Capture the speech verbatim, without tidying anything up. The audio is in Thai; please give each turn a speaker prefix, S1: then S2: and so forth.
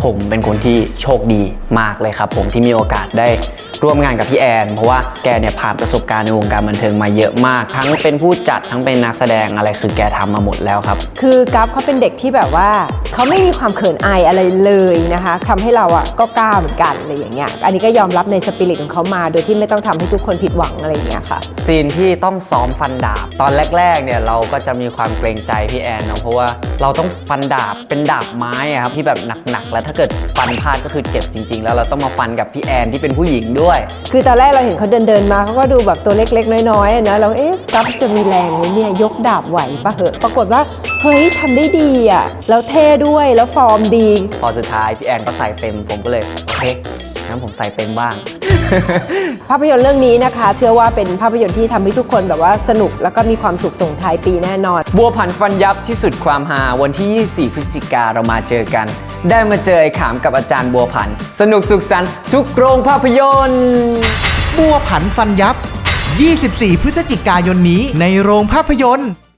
S1: ผมเป็นคนที่โชคดีมากเลยครับผมที่มีโอกาสได้ร่วมงานกับพี่แอนเพราะว่าแกเนี่ยผ่านประสบการณ์ในวงการบันเทิงมาเยอะมากทั้งเป็นผู้จัดทั้งเป็นนักแสดงอะไรคือแกทำมาหมดแล้วครับ
S2: คือกัฟเขาเป็นเด็กที่แบบว่าเขาไม่มีความเขินอายอะไรเลยนะคะทำให้เราอ่ะก็กล้าเหมือนกันอะไรอย่างเงี้ยอันนี้ก็ยอมรับในสปิริตของเขามาโดยที่ไม่ต้องทำให้ทุกคนผิดหวังอะไรอย่างเงี้ยค่ะ
S1: ซีนที่ต้องซ้อมฟันดาบตอนแรกๆเนี่ยเราก็จะมีความเกรงใจพี่แอนเนาะเพราะว่าเราต้องฟันดาบเป็นดาบไม้อะครับที่แบบหนักๆแล้วถ้าเกิดฟันพลาดก็คือเจ็บจริงๆแล้วเราต้องมาฟันกับพี่แอนที่เป็นผู้หญิงด้วย
S2: คือตอนแรกเราเห็นเขาเดินเดินมาเขาก็ดูแบบตัวเล็กๆน้อยๆนะเราเอ๊ะกัฟจะมีแรงไหมเนี่ยยกดาบไหวปะเหอะปรากฏว่าเฮ้ยทำได้ดีอ่ะแล้วเท่ด้วยแล้วฟอร์มดี
S1: พอสุดท้ายพี่แอนก็ใส่เต็มผมก็เลยโอเคงั้นผมใส่เต็มบ้าง
S2: ภาพยนตร์เรื่องนี้นะคะเชื่อว่าเป็นภาพยนตร์ที่ทำให้ทุกคนแบบว่าสนุกแล้วก็มีความสุขส่งท้ายปีแน่นอน
S1: บัวผันฟันยับที่สุดความฮาวันที่ยี่สิบสี่พฤศจิกาเรามาเจอกันได้มาเจอไอ้ขามกับอาจารย์บัวผันสนุกสุขสันต์ทุกโรงภาพยนตร์
S3: บัวผันฟันยับยี่สิบสี่พฤศจิกายนนี้ในโรงภาพยนตร์